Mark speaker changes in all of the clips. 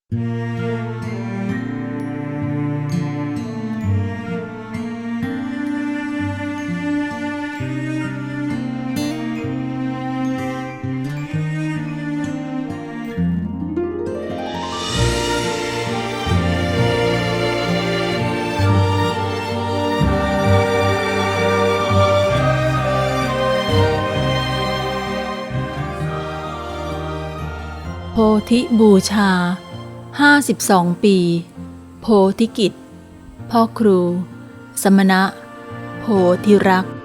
Speaker 1: โพธิบูชา52 ปีโพธิกิจพ่อครู สมณะ โพธิรักษ์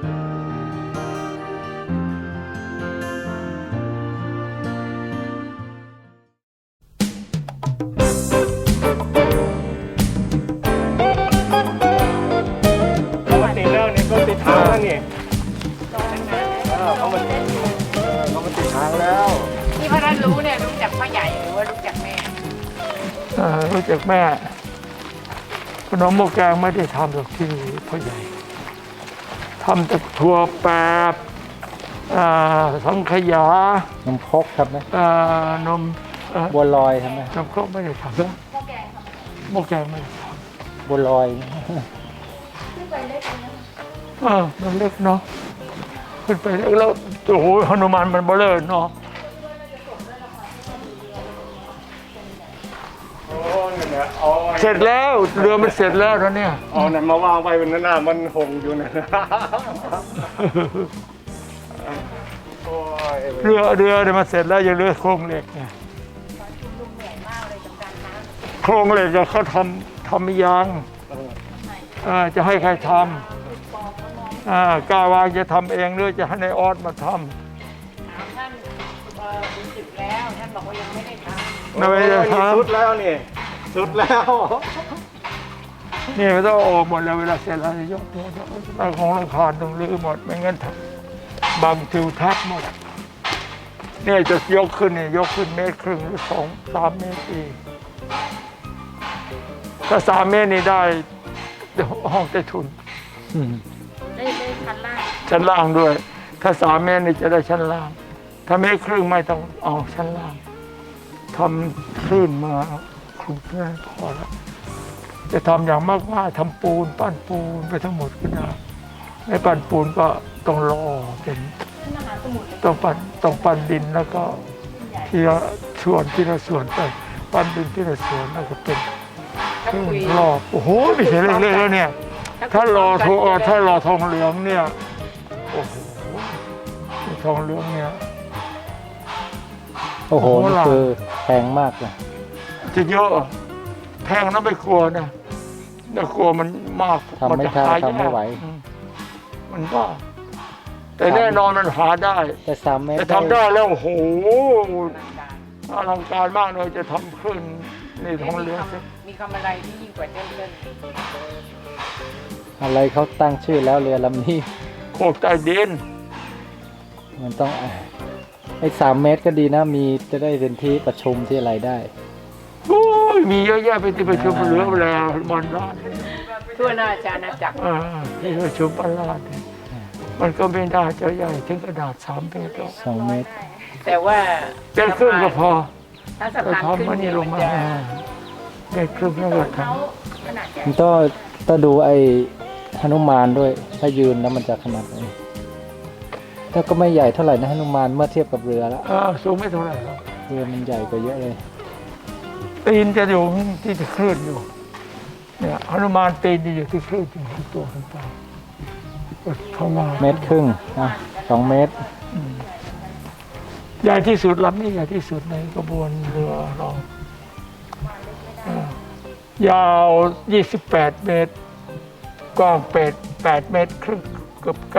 Speaker 2: ปกติแล้วนี่ก็ติดทางแล้วนี่เขามาติดทางแล้ว
Speaker 3: ที่พ่อท่านรู้เนี่ยรู้จักพ่อใหญ่หรือว่ารู้จักแม่
Speaker 2: รู้จักแม่ขนมหม้อแกงไม่ได้ทำหรอกที่พ่อใหญ่ทำแต่ถั่วแปบสังขยานมครกครับไหมนมบัวลอยทำไหมนมครกไม่ได้ทำหม้อแกงไม่ได้ทำบัวลอยขึ้นไปเล็กนะมันเล็กเนาะขึ้นไปเล็กแล้วโอ้โหหนุมานมันเบลอเนาะเสร็จแล้วเรือมันเสร็จแล้วนะเนี่ยเอาเนี่ยมาวางไปบนหน้ามันหงอยู่นะเรือเนี่ยมันเสร็จแล้วยังเหลือโครงเหล็กไงโครงเหล็กเขาทำยังจะให้ใครทำกาวางจะทำเองหรือจะให้ในออสมาทำ
Speaker 3: ท่านรู้สึกแล้วท่านบอกว่ายังไม่ได้ทำ
Speaker 2: ไม่ได้ทำสุดแล้วนี่สุดแล้วนี่มันต้องออกหมดแล้วเวลาเสร็จแล้วยกตัวของโรงคานต้องรื้อหมดไม่งั้นบังทิวทัศน์หมดเนี่ยจะยกขึ้นเนี่ยยกขึ้น1.5 เมตรหรือ3 เมตรอีกถ้า3 เมตรนี่ได้ห้องใต้ถุน
Speaker 3: ได้
Speaker 2: ชั้นล่างด้วยถ้า3 เมตรนี่จะได้ชั้นล่างถ้า1.5 เมตรไม่ต้องเอาชั้นล่างทำคลื่นมาคลุมเพื่อพอแล้วจะทำอย่างมากๆทำปูนปั้นปูนไปทั้งหมดก็ได้ไม่ปั้นปูนก็ต้องรอเป็นต้องปั้นดินแล้วก็ทีละส่วนไปปั้นดินทีละส่วนแล้วก็เป็นรอบโอ้โหไม่ใช่เล็กๆแล้วเนี่ยถ้ารอทองเหลืองเนี่ยโอ้โหทองเหลืองเนี่ย
Speaker 4: โอ้โหนี่คือแพงมากเลย
Speaker 2: จะเยอะแพงนะไม่กลัวนะแต่กลัวมันมาก
Speaker 4: มันจะหาทำไม่ไหว
Speaker 2: มันก็แต่แน่นอนมันหาได้
Speaker 4: แต่3 เมตร
Speaker 2: จะทำได้แล้วโอ้โหอลังการมากเลยจะทำขึ้นนี่ทองเหลือง
Speaker 3: มีคำอะไรที่ยิ่งกว่าเดิม
Speaker 4: อะไรเขาตั้งชื่อแล้วเรือลำนี้
Speaker 2: โคกใต้ดิน
Speaker 4: มันต้องไอ้3 เมตรก็ดีนะมีจะได้เป็นที่ประชุมที่อะไรได้
Speaker 2: โอ้ยมีเยอะแยะไปที่ประชุมเหลือเวลามันร้าน
Speaker 3: ทั่วหน้าอาณาจักร
Speaker 2: ที่ประชุมปลาดมันก็ไม่ได้จะใหญ่ถึงกระดาษ3 เมตรหรอก
Speaker 4: 2 เมตร
Speaker 3: แต่ว่า
Speaker 2: เป็นครึ่งก็พอ
Speaker 3: ถ้าสะพานขึ้น
Speaker 2: นี่ลงมาได้ครึ่งแล้วก็ท
Speaker 4: ำมันต้องดูไอ้หนุมานด้วยถ้ายืนแล้วมันจะขนาดไหนถ้าก็ไม่ใหญ่เท่าไหร่นะหนุมานเมื่อเทียบกับเรือแล้ว
Speaker 2: สูงไม่เท่าไหร่หรอก
Speaker 4: เรือมันใหญ่กว่าเยอะเลย
Speaker 2: ตีนจะอยู่ที่จะคลื่นอยู่เนี่ยหนุมานตีนจะอยู่ที่คลื่นอยู่ที่ตัวขึ้นไป
Speaker 4: 1.5 เมตรนะ2 เมตร
Speaker 2: ใหญ่ที่สุดลำนี้ใหญ่ที่สุดในกระบวนเรือเรายาว28 เมตรกว้าง8 เมตรครึ่งเกือบ9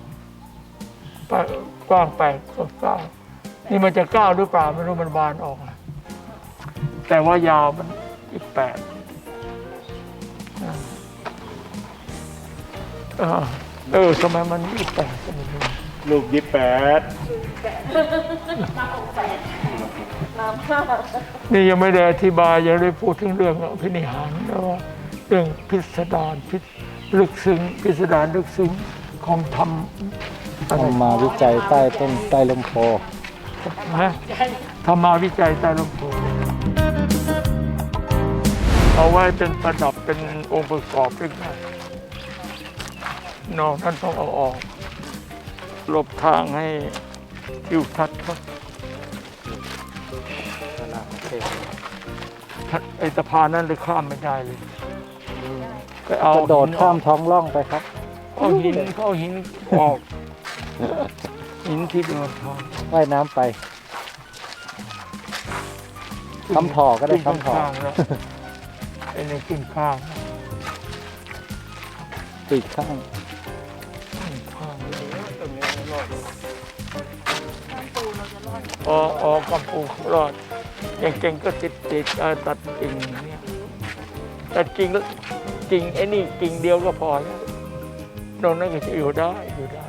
Speaker 2: กว้าง8เกือบ9นี่มันจะ9หรือเปล่าไม่รู้มันบานออกแต่ว่ายาวมัน28ทำไมมัน28ก็ไม่รู้ลูก28นี่ยังไม่ได้อธิบายยังได้พูดถึงเรื่องอภินิหารแล้วว่าเรื่องพิสดารลึกซึ้งพิสดารลึกซึ้งของธรรม
Speaker 4: มาวิจัยใต้ลมโพ
Speaker 2: ธรรมาวิจัยใต้ลมโพเอาไว้เป็นประดับเป็นองค์ประกอบด้วยกันนอกนั้นต้องเอาออกหลบทางให้ทิวทัศน์เขาไอ้สะพานนั้นเลยข้ามไม่ได้เลยก็เอา
Speaker 4: กระโดดข้ามท้องร่องไปครับ
Speaker 2: เอาหินออกหินที่โดนทอง
Speaker 4: ว่ายน้ำไปคำถอก็ได้คำถอ
Speaker 2: ข้างแล้วไอ้นี่ขึ้นข้าง
Speaker 4: ปีกข้าง
Speaker 2: ข้างอ๋อกำปูรอดอย่างเก่งก็ติดตัดกิ่งเนี่ยตัดกิ่งไอ้นี่กิ่งเดียวก็พอแล้วตรงนั้นก็จะอยู่ได้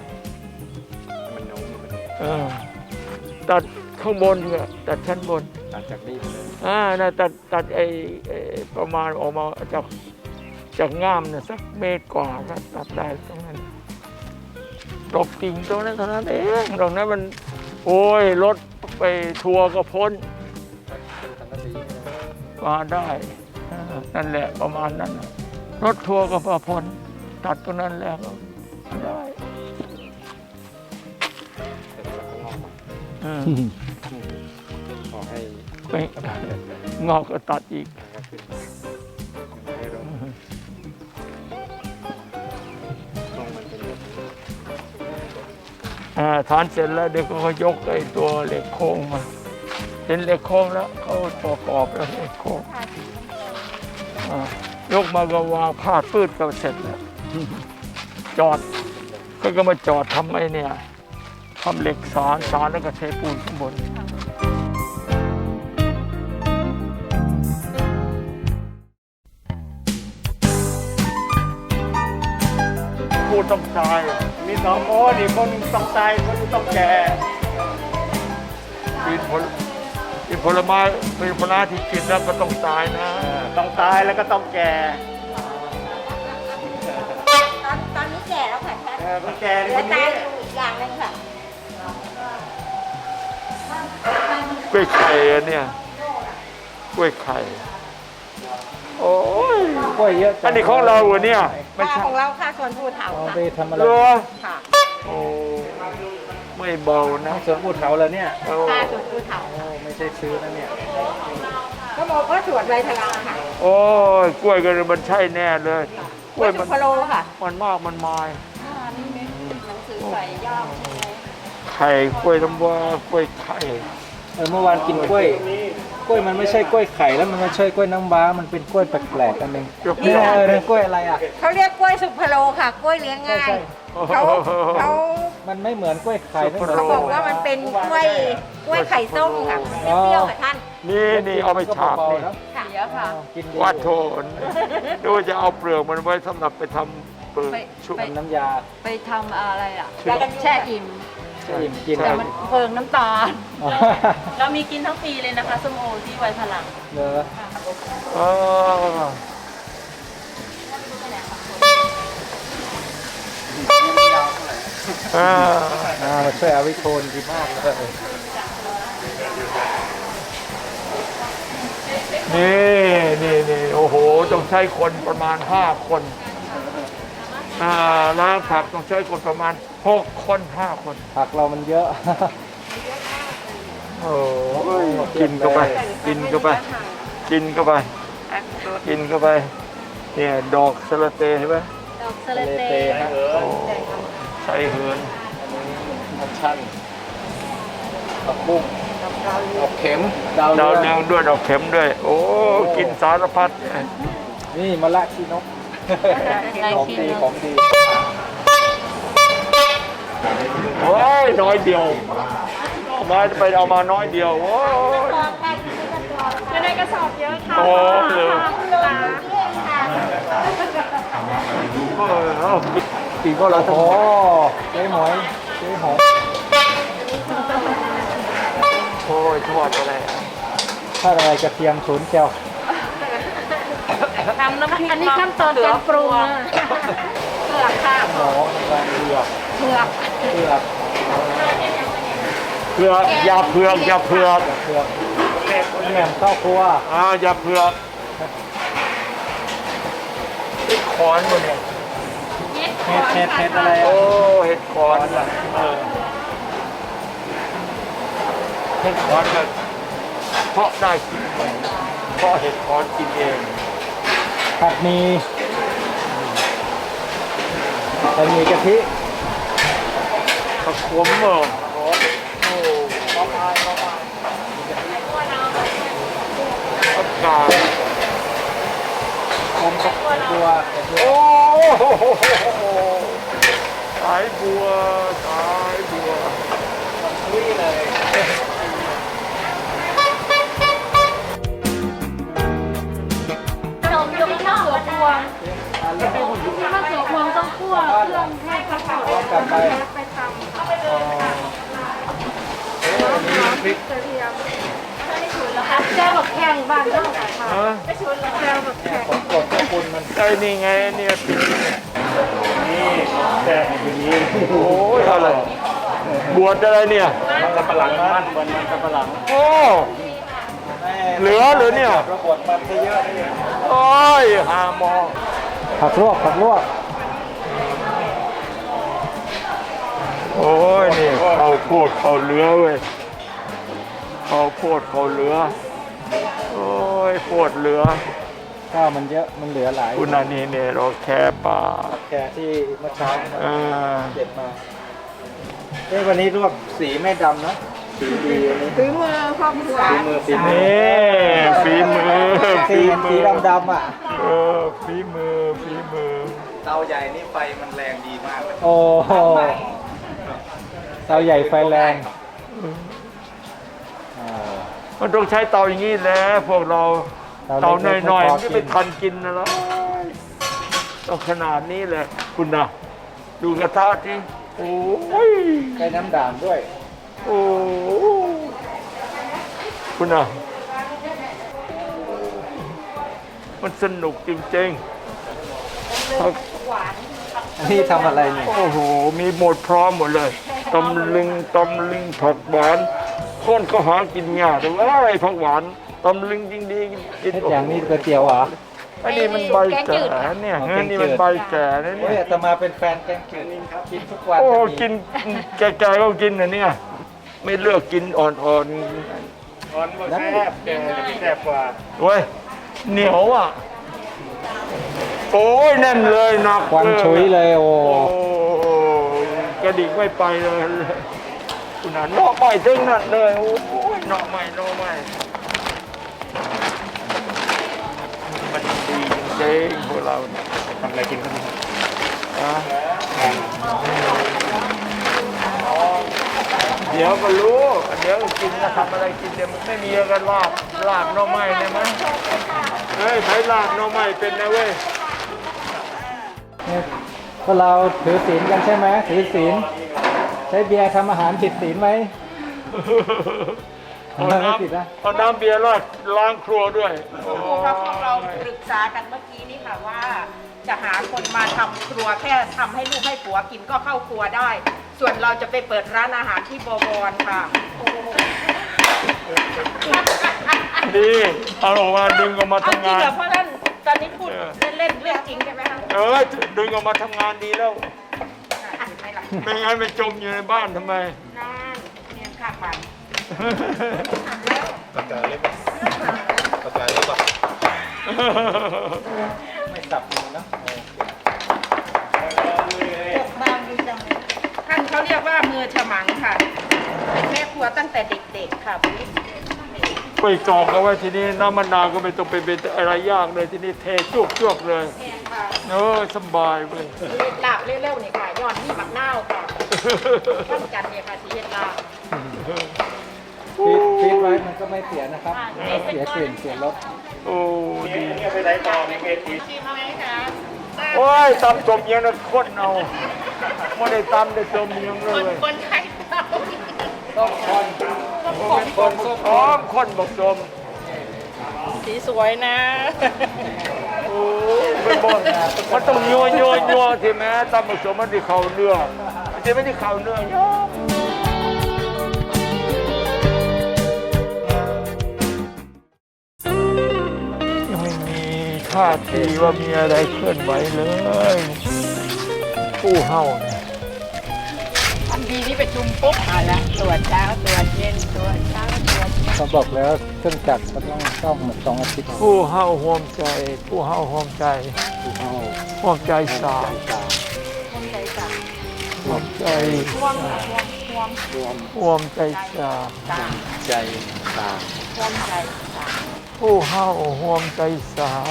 Speaker 2: ตัดข้างบนเนี่ยตัดชั้นบน
Speaker 4: ตัดจากนี้ไปเลย
Speaker 2: นะตัดไอ้ประมาณออกมาจากง่ามเนี่ยสักเมตรกว่าก็ตัดได้ตรงนั้นดอกกิ่งตรงนั้นเท่านั้นเองตรงนั้นมันโอ้ยรถไปทัวร์ก็พ้นมาได้นั่นแหละประมาณนั้นรถทัวร์ก็พอพ้นตัดตรงนั้นแล้วก็ได้
Speaker 4: ขอให้
Speaker 2: ไปงอกก็ตัดอีกฐานเสร็จแล้วเดี๋ยวเขายกไอ้ตัวเหล็กโค้งมาเห็นเหล็กโค้งแล้วเขาประกอบแล้วเหล็กโค้งยกมาก็วางพาดปืดก็เสร็จแล้วจอดก็มาจอดทำไอ้เนี่ยทำเหล็กสารแล้วก็เทปูนข้างบนพูดต้องตายมีสองนี่คนหนึ่งต้องตายคนหนึ่งต้องแก่กินผลไม้เป็นผลไม้ที่กินแล้วก็ต้องตายนะต้องตายแล้วก็ต้องแก่
Speaker 5: ตอนนี้แก่แล้วค่ะท่าน
Speaker 2: ต้องแก่
Speaker 5: เหลื
Speaker 2: ค
Speaker 5: อน ตา
Speaker 2: นี้
Speaker 5: ยอยู่อีกอย่างหนึงค่ะ
Speaker 2: กล้วยไข่อันเนี่ยกล้วยไข่โอ้ย
Speaker 4: กล้วยเยอะจั
Speaker 2: อันนี้ของเราเหรอเนี่ยไม่
Speaker 5: ค่า
Speaker 2: ใช่
Speaker 5: ของเราค่าส่วนภูเถา
Speaker 4: เอา
Speaker 5: ค่ะ
Speaker 4: ไปทำอะไร
Speaker 2: เหรอ
Speaker 5: ค่ะ
Speaker 2: โอ้ไม่เบานะ
Speaker 4: สวนภูเขาแล้วเนี่ย
Speaker 2: โอ้
Speaker 5: ค่าส่วนภูเถา
Speaker 4: โอ้ไม่ใช่ซื้อนะเนี่ย
Speaker 5: ก็บอกว่าสวนใบทลาค่ะ
Speaker 2: โอ้ยกล้วยก็มันใช่แน่เลยกล้วย
Speaker 5: สุ
Speaker 2: มัน
Speaker 5: พโลค่ะ
Speaker 2: มันมากมันมาย
Speaker 5: หนังสือใส่ย่ามใช่ไหม
Speaker 2: ไข่กล้วยน้ำว้ากล้วยไข่
Speaker 4: เมื่อวานกินกล้วยมันไม่ใช่กล้วยไข่แล้วมันไม่ใช่กล้วยน้ำว้ามันเป็นกล้วยแปลกๆอันหนึงนี่กล้วยอะไรอ่ะ
Speaker 5: เขาเรียกกล้วยสุพโลค่ะ กล้วยเลี้ยงง่าย
Speaker 4: ใช่
Speaker 5: เขา
Speaker 4: มันไม่เหมือนกล้วยไข่ไม่เหมือน
Speaker 5: เขาบอกว่ามันเป็นกล้วยไข่ต้มค่ะเปรี้ยวๆค่ะท่าน
Speaker 2: นี่เอาไปฉาบนี่
Speaker 5: ค่ะเยอะค่ะ
Speaker 4: กินดี
Speaker 2: วัดโทนดูจะเอาเปลือกมันไว้สำหรับไปทำเปลือกชุบ
Speaker 4: ทำน้ำยา
Speaker 6: ไปทำอะไรอ่ะ
Speaker 5: แล้วก็
Speaker 6: แช่อิ่ม
Speaker 4: อิ่มกิน
Speaker 6: แต่มันเพิงน้ำตาล
Speaker 1: เรามีกินทั้งปีเลยนะคะส้มโอที่ไวพลัง
Speaker 4: เนอะ มาช่วยเอาวิโคนดีมากเลย
Speaker 2: นี่โอ้โหต้องใช้คนประมาณ5 คนล้างผักต้องใช้คนประมาณ6 คน5 คน
Speaker 4: ผักเรามันเยอะ
Speaker 2: โอ้ยกินเข้าไปเนี่ยดอกสะระเตเห็นไหม
Speaker 1: ดอกสะระเต
Speaker 4: ฮะ
Speaker 2: โอ้ใส่เหิน
Speaker 4: ผักชั่นผักบุ้งดอกเข็มดาว
Speaker 2: ดาว
Speaker 4: เรื
Speaker 2: เรื
Speaker 4: อ
Speaker 2: อง งด้วยดอกเข็มด้วย โอ้กินสารพัด
Speaker 4: นี่มะละขี้นกของดีของดี
Speaker 2: โอ้ยน้อยเดียวเอามาน้อยเดียวโอ้ย
Speaker 6: อยู่ในกระสอบเยอะค่ะ
Speaker 2: โอ้เลยเอากินก็เรา
Speaker 4: โอ้
Speaker 2: ต้อง
Speaker 4: โหเจ๊หอย
Speaker 2: โอ้ยทอดอะไร
Speaker 4: ถ้าอะไรกระเทียมศูนย์เจียว
Speaker 6: ทำน้ำพริกอันนี้ขั้นตอนการปรุงนะเผือกค่ะ
Speaker 4: หมอวางเผือก
Speaker 6: เผือก
Speaker 4: เผือก
Speaker 2: เผือกอย่าเผือก
Speaker 4: เผือกแหนมข้าวครัว
Speaker 2: อย่าเผือกขอนมาเนี่ย
Speaker 4: เห็ดอะไร
Speaker 2: โอ้
Speaker 4: อ่ะ
Speaker 2: เห็ดขอนอ่ะเห็ดขอนก็เพาะได้กินเองเพาะเห็ดขอนกินเอง
Speaker 4: ผัดหมีผัดหมีกะทิ
Speaker 2: ผักขมเหรอโอ้อากาศ
Speaker 4: ผมกับบัว
Speaker 2: โอ้สายบัวสายบัว
Speaker 4: ลุยเลย
Speaker 6: ขนมยกข้าวหัวพวงข้าวหัวพวงต้องคั่วเครื่องให้ข้าว
Speaker 4: กลับไป
Speaker 6: ไปทำ
Speaker 4: พริก
Speaker 6: แก้วแบบแข็งบ้านต้องค่ะ
Speaker 2: ฮะ
Speaker 6: แก้วแบบแข็ง
Speaker 4: ผมกดขอบคุณมัน
Speaker 2: ไอ้นี่ไงเนี่ยนี่แต่อย่างนี้โอ้ยอะไรบวชอะไรเนี่ย
Speaker 4: มันสับปะหลังมันสับปะหลัง
Speaker 2: โอ้เหลือหรือเนี่ย
Speaker 4: ระบดมันเยอะเลย
Speaker 2: โอ้ยหามอง
Speaker 4: ผักลวกผักลวก
Speaker 2: โอ้ยนี่เขาโพดเขาเหลือเว้ยเขาโพดเขาเหลือโอ้ยโพดเหลือ
Speaker 4: ข้าวมันเยอะมันเหลือหลาย
Speaker 2: คุณนันนี่เนี่ยเราแค่ป่า
Speaker 4: แกที่เมื่อเช้า
Speaker 2: เออ
Speaker 4: เด็ดมาวันนี้ลวกสีไม่ดำนะสีดีอันนี้
Speaker 5: ฝีมือครอบครัว
Speaker 4: ฝีมือ
Speaker 2: นี่ฝีมือ
Speaker 4: สีดำอ่ะ
Speaker 2: เออฝีมือฝีมือ
Speaker 7: เตาใหญ่นี่ไฟมันแรงดีมากเลย
Speaker 4: โอ้โหเตาใหญ่ไฟแรงอ่า
Speaker 2: มันต้องใช้เตาอย่างนี้แหละพวกเราเตาหน่อยๆมันจะไปทันกินนะล่ะต้องขนาดนี้เลยคุณนะดูกระทะที่โอ้ย
Speaker 4: ใช้น้ำด่างด้วย
Speaker 2: โอ้คุณนะมันสนุกจริงๆ
Speaker 4: อันนี้ทำอะไรเนี่ย
Speaker 2: โอ้โห มีหมดพร้อมหมดเลยตำลึงผักหวานคนก็หากินยากแต่ว่าไอ้ผักหวานตำลึงจริงดีกิน
Speaker 4: อย่างนี้ก๋วยเตี๋ยวเหรอ
Speaker 2: อันนี้มันใบแก่เนี่ย
Speaker 4: อ๋อ
Speaker 2: เฮ้ยนี่มันใบแก่นะ
Speaker 4: โอ้ย
Speaker 2: เนี่ย
Speaker 4: อาตมาเป็นแฟนแกงจืดกินทุกวัน
Speaker 2: โอ้
Speaker 4: จะมี
Speaker 2: กินแก่ๆก็กินนะเนี่ย ไม่เลือกกินอ่อน
Speaker 7: อ่อนบ่แซ่บแกแซ่บกว่า
Speaker 2: ๆเว้ยเหนียวอ่ะโอ้ยแน่นเลยหนัก
Speaker 4: ควันชุยเลยโอ้
Speaker 2: โอ้กระดิกไม่ไปเลยคุณน่ะเนาะใหม่ถึงนั่นเลยโอ้ยเนาะใหม่มันดีจริงๆพวกเราเนี่ย
Speaker 7: ทำอะไรกินครับ
Speaker 2: นะเดี๋ยวก็รู้ เดี๋ยวกินนะทำอะไรกินเดี๋ยวมันไม่มีกันลาบหน่อไม้เนี่ยมั้ยเฮ้ยไผ่ลาบหน่อไม้เป็นนะเว้ย
Speaker 4: เนี่ยพวกเราถือศีลกันใช่ไหมถือศีลใช้เบียร์ทำอาหารผิดศีลไหม
Speaker 2: เอา
Speaker 4: ไม่ผิดนะ
Speaker 2: เอาน้ำเบียร์ล้างครัวด้วยโอ้
Speaker 5: ครับพวกเราปรึกษากันเมื่อกี้นี่ค่ะว่า จะหาคนมาทำครัวแค่ทำให้ลูกให้ผัวกินก็เข้าครัวได้ ส่วนเราจะไปเปิดร้านอาหารที่บวรค่ะ
Speaker 2: ดีเอาออกมาดึงออกมา
Speaker 5: เอาจ
Speaker 2: ทำ
Speaker 5: ริง
Speaker 2: งาน
Speaker 5: เหรอเพราะนั่นตอนนี้พูดเล่นๆเรื่องจริงใช่ไหมคะ
Speaker 2: ดึงออกมาทำงานดีแล้ว
Speaker 5: ไม่หลัก
Speaker 2: ไม่งั้นไปจมอยู่ในบ้านทำไม
Speaker 5: นั่นเนี่ยข้างบ้าน
Speaker 7: ปากกาเล็บปากกาเล็บอ่ะ
Speaker 4: ไม่สับมือนะ
Speaker 5: ท่านเขาเรียกว่ามือฉมังค่ะ เป็นแม่ครัวตั้งแต่เด็กๆค่ะ
Speaker 2: ไปกรอกเอาไว้ทีนี้น้ำมะนาวก็ไม่ต้องไปเป็นอะไรยากเลยทีนี้เทจวกเลยสบายเว้ย
Speaker 5: ลาบเร็วๆนี่ค่ะยอดนี่บักนาวค่ะท่านจันเนี่ยค่ะสีเห็ดลาบ
Speaker 4: ฟีดไว้มันก็ไม่เสียนะครับเสียกลิ่นเสียรส
Speaker 2: โอ้ดี
Speaker 7: นี่ไปไหนต่อในเวที
Speaker 5: ชิมไหมคะ
Speaker 2: โอ้ยตำสมยังนะข้นเอาไม่ได้ตำได้สมยังเลย
Speaker 5: คนไทยเรา
Speaker 4: ต้องคน
Speaker 2: คนพร้อมคนบอกสม
Speaker 5: สีสวยนะ
Speaker 2: โอ้ยเป็นบ่มันต้องยัวที่แม้ตำผสมมันที่เข่าเนื้อมันจะไม่ได้เข่าเนื้อยอยังไม่มีท่าทีว่ามีอะไรเคลื่อนไหวเลยผู้เฮาเนี่ย
Speaker 3: ทันทีที่ประชุมปุ๊บเอาละตรวจเช้าตรวจเย็นตรวจเช้าตรวจเย็น
Speaker 4: เขาบอกแล้วเครื่องจักรก็ต้องซ่อมเหมือน2 อาทิตย์
Speaker 2: ผู้เฮาห่วงใจ ผู้เฮาห่วงใจห่วงใจสามห่วงใจห่วงใจสาม
Speaker 7: ใจตา
Speaker 2: ผู้เฮาห่วงใจสาม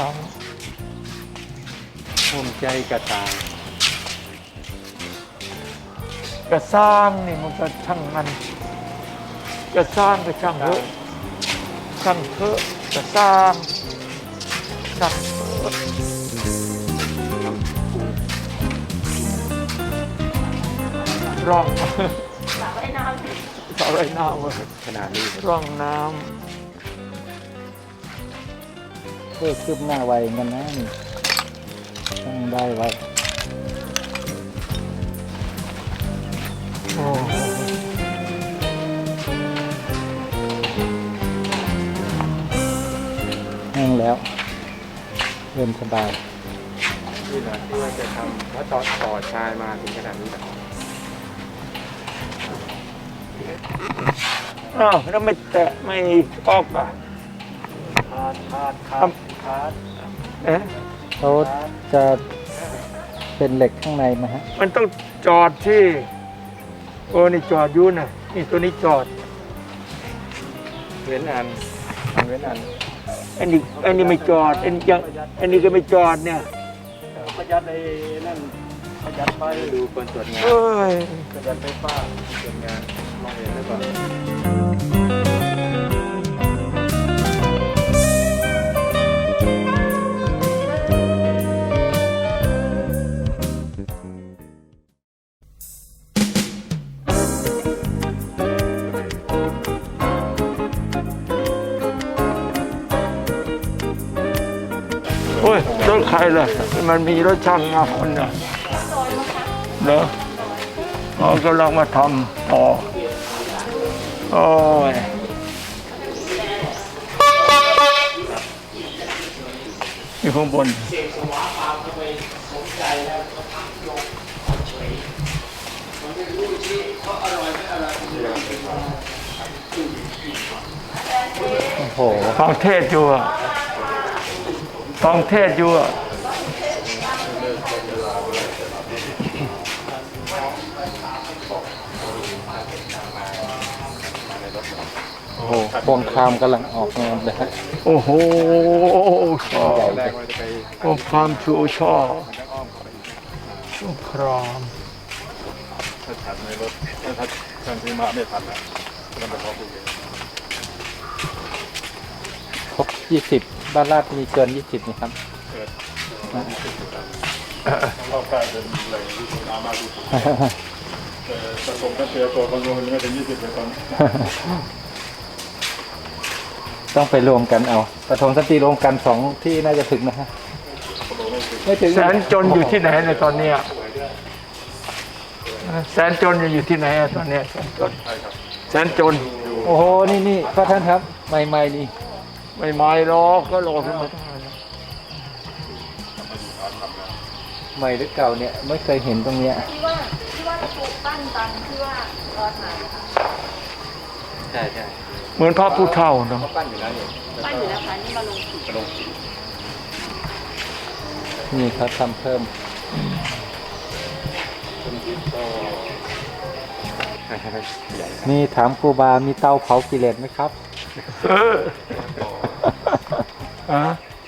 Speaker 7: ภูมิใจกระตาง
Speaker 2: กระซ้างนี่มันก็ช่างมันกระซ้างก็ช่างเถอะช่างเถอะกระซ้างช่างเถอะร่องสาวไร่น้ำ
Speaker 7: ขนาดนี้
Speaker 2: ร่องน้
Speaker 4: เพื่อคืบหน้าไวเหมือนกันนะนี่ต้องได้ไว้
Speaker 2: ำโอ้
Speaker 4: แห้งแล้วเริ่มสบาย
Speaker 7: นี่แหละที่ว่าจะทำถ้าต่อชายมาถึงขนาดนี้แหละ
Speaker 2: อ้าวแล้วไม่แตะไม่ออกอ่ะ
Speaker 7: ขาด
Speaker 2: เอ๊ะ
Speaker 4: เขาจะเป็นเหล็กข้างในไหมฮะ
Speaker 2: มันต้องจอดที่โอ้นี่จอดอยู่น่ะนี่ตัวนี้จอด
Speaker 7: เว้นอันเว้นอัน
Speaker 2: อันนี้ไม่จอดอันนี้ก็ไม่จอดเนี่ย
Speaker 7: ประหยัดไอ้นั่นประหยัดไฟดูคนตรวจงาน
Speaker 2: เอ้ย
Speaker 7: ประหยัดไฟฟ้าตรวจงานมองเห็นหรือเปล่า
Speaker 2: โอ้ยรถใครล่ะมันมีรถช่างมาคนน่ะเหรอเขากำลังมาทำต่อโอ้ยอยู่ข้างบน
Speaker 4: โอ้โห
Speaker 2: ฟังเทศอยู่อะฟังเทศอยู่อะ
Speaker 4: โอ้โหพวงคามกำลังออกงานเลยฮะ
Speaker 2: โอ้โหชอบ
Speaker 7: แรกว่าจะไป
Speaker 2: โอ้ความชูชอบ
Speaker 7: ทางอ้อมขออีก
Speaker 2: สงคราม
Speaker 7: ถ้าทันในรถถ้าทางที่มาไม่ทันอ่ะมันจะพอคุยกัน
Speaker 4: ครบ20 บ้านลาดมีเกิน 20นี่ครับ
Speaker 7: รอบกายเป็นแหล่งที่สุดมากที่สุดแต่ผมก็เจอตัวคนนู้นไม่ถึง20เลยตอนนี้
Speaker 4: ต้องไปรวมกันเอาปฐมสตรีรวมกัน2 ที่น่าจะถึงนะฮะไม่ถึง
Speaker 2: แสนจนอยู่ที่ไหนในตอนเนี้ยแสนจนอยู่ที่ไหนอะตอนเนี้ยแสนจนแสนจน
Speaker 4: โอ้โห นี่พระท่านครับ ใหม่ๆนี่
Speaker 2: ไม่ไม่หรอกก็รอขึ้นมาได้
Speaker 4: ใหม่หรือเก่าเนี่ยไม่เคยเห็นตรงเนี้ย
Speaker 5: ที่ว่าปลูกปั้นตอนที่ว่าตอนไหนคะ
Speaker 7: ใช่ใช่
Speaker 2: เหมือนพระผู้เฒ่าเนาะ
Speaker 7: ปั้นอยู่แล้วเนี่ย
Speaker 5: ปั้นอยู่แล้วค่ะนี่มาลงสี
Speaker 7: กระดงสี
Speaker 4: นี่เขาทำเพิ่ม
Speaker 7: ใหญ่
Speaker 4: มีถามครูบา มีเตาเผากิเลสไหมครับ
Speaker 2: เอออะ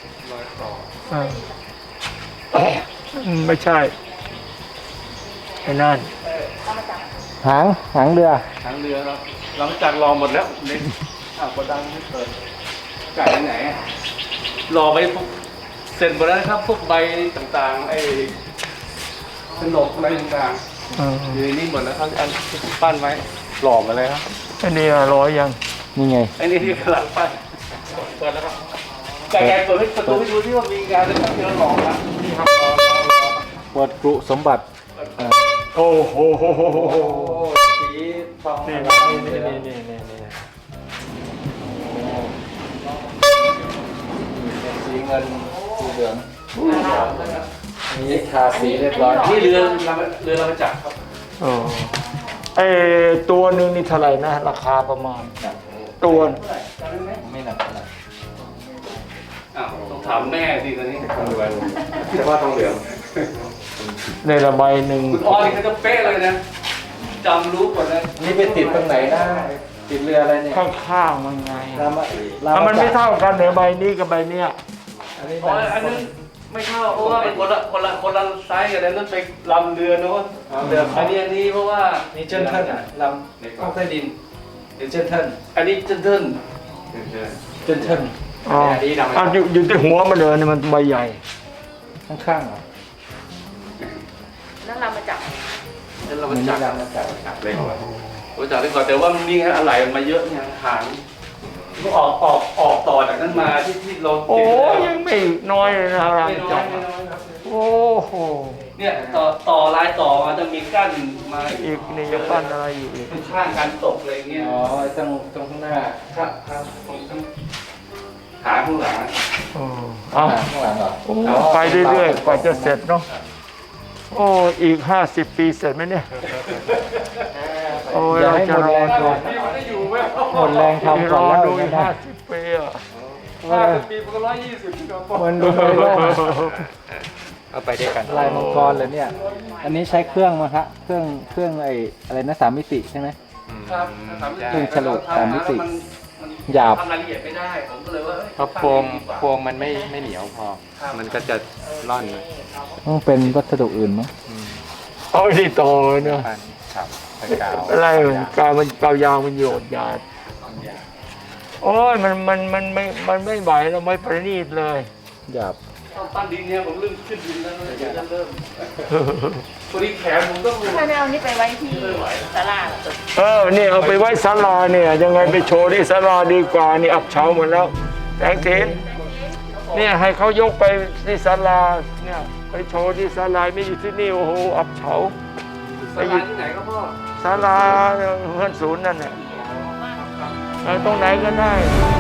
Speaker 2: ไม่ใช่ไอ้นั่น
Speaker 4: หางเรือ
Speaker 7: ทางเรือเราหลังจากรอหมดแล้วเล็กกระดังไม่เปิดไก่ไหนรอไปพวกเสร็จหมดแล้วครับ พวกใบต่างๆไอ้ขนมอะไรต่างๆอยู่ในนี้หมดแล้วครับอันที่ปั้นไว้หล่อมาเลยครับ
Speaker 2: อันนี้ร้อยยัง
Speaker 4: นี่ไง
Speaker 7: ไอ้นี่ที่กำลังปั้นเปิดแล้วครับไก่เปิดให้ประตูให้ดูที่ว่ามีงานแล้วครับที่เราหล่อแล้วนี่ครับ
Speaker 4: เปิดกรุสมบัติ
Speaker 2: โอ้โห
Speaker 7: สีทอง
Speaker 2: นี่
Speaker 7: นี่
Speaker 4: สีเงินสีเหลืองนี่ทาสีเรียบร้อย
Speaker 7: นี่เรือเรามาจักรครับ
Speaker 2: อ๋อไอตัวหนึ่งนี่เท่าไหร่นะ ราคาประมาณ ตัว
Speaker 4: ไม่หนักเท่าไหร่
Speaker 7: อ้าวต้องถามแม่สิตอนนี้เฉพาะทองเหลือง
Speaker 2: ในละใบหนึ่ง
Speaker 7: คุณอ้อนี่เขาจะเป๊ะเลยนะจำรู้หมดเลย
Speaker 4: นี่ไปติดตรงไหนนะติดเรืออะไรเนี่ย
Speaker 2: ข้างๆมันไง
Speaker 4: รามา
Speaker 2: ถ้ามันไม่เท่ากันเหนือใบนี้กับใบเนี้ย
Speaker 4: อันนี้
Speaker 7: อ๋ออันนั้นไม่เข้าเพราะว่าเป็นคนละไซส์กันนั่นเป็นลำเรือโน้น
Speaker 4: เรือ
Speaker 7: อันนี้เพราะว่า
Speaker 4: นี่เจนเทิลลำห้องใต้ดินหรือเจนเทิล
Speaker 7: อันนี้เจนเทิล
Speaker 4: เจนเทิล
Speaker 2: อ๋ออ่ะอยู่ที่หัวมันเลยนี่มันใบใหญ่
Speaker 4: ข้างๆเหรอ
Speaker 5: นั่นเรามาจับ
Speaker 7: นั่นเรา
Speaker 4: มั
Speaker 7: มาน จั
Speaker 4: นี่
Speaker 7: บ
Speaker 4: ลำมาจาก
Speaker 7: เล็กกว่าผมจับเล็กกว่าแต่ว่ามันมีอะไรมาเยอะเนี่ยหางก็ออกต่อจากนั้นมาที่เรา
Speaker 2: โอ้
Speaker 7: ติด
Speaker 2: ยังไม่น้อยเลยนะราม
Speaker 7: ไม่น้อ
Speaker 2: จั
Speaker 7: ย
Speaker 2: บ
Speaker 7: ไม่น้อยครับ
Speaker 2: โอ้โห
Speaker 7: เนี่ยต่อลายต่อมาจะมีกั้นมา
Speaker 2: อีกนี่จะปั้นอะไรอยู่อีก
Speaker 7: ข้างการตกอะไรเงี้ย
Speaker 4: อ๋อไอ้ตรงข้างหน้า
Speaker 7: ครับตรงหางข้างหลัง
Speaker 2: อ๋อเอา
Speaker 4: ข้างหลังเหรอ
Speaker 2: โอ้ไปเรื่อยๆกว่าจะเสร็จเนาะโอ้อีก50 ปีเสร็จไหมเนี่ยโอ้ย
Speaker 4: อย่า
Speaker 2: เรา
Speaker 4: ให้
Speaker 2: จะ
Speaker 4: หมด
Speaker 2: ร
Speaker 4: แร
Speaker 2: อง ดู
Speaker 4: ก่อนหมดแรงทำ
Speaker 2: ร
Speaker 4: ก่อน
Speaker 2: อ
Speaker 4: แล้ว
Speaker 2: ดูอีก
Speaker 4: นะ
Speaker 2: 50 ปีอ่ะ
Speaker 7: ปีมันก็120ที่เราบอก
Speaker 4: มันดูไม่รอด
Speaker 8: เอาไปด้วยกัน
Speaker 4: ลายมังกรเลยเนี่ย อันนี้ใช้เครื่องมั้งฮะเครื่องไอ้อะไรนะ3 มิติใช่ไหม
Speaker 7: ครับ
Speaker 4: เครื่องฉลุ3 มิติ
Speaker 7: มัน
Speaker 4: หยาบ
Speaker 7: ทำรายละเอียดไม่ได้ผมก็เลยว่า
Speaker 8: เพราะโฟมมันไม่เหนียวพอ มันก็จะร่อน
Speaker 4: ต้องเป็นวัสดุอื่นมั้ง
Speaker 2: เอาที่โตเนาะ
Speaker 8: ปันขับไปกาว
Speaker 2: อะไรกาวมันกาวยางมันโยดยาดโอ้ยมันไม่ไหวเราไม่ประณีตเลย
Speaker 4: หยาบ
Speaker 7: ตอนปั้นดินเนี่ยผมเริ่มขึ้นดินแล้วเลยเดี๋ยวจะเริ่มพอดีแขนผมต้อง
Speaker 5: ทำไมไม่เอานี่ไปไว้ที่ศาลา
Speaker 2: นี่เอาไปไว้ศาลาเนี่ยยังไงไปโชว์ที่ศาลาดีกว่านี่อับเฉาหมดแล้วแตงเทนเนี่ยให้เขายกไปที่ศาลาเนี่ยไปโชว์ที่ศาลาไม่อยู่ที่นี่โอ้โหอับเฉา
Speaker 7: สถานที่ไหนก็พ่อ
Speaker 2: ศาลาเพื่อนศูนย์นั่นแหละตรงไหนก็ได้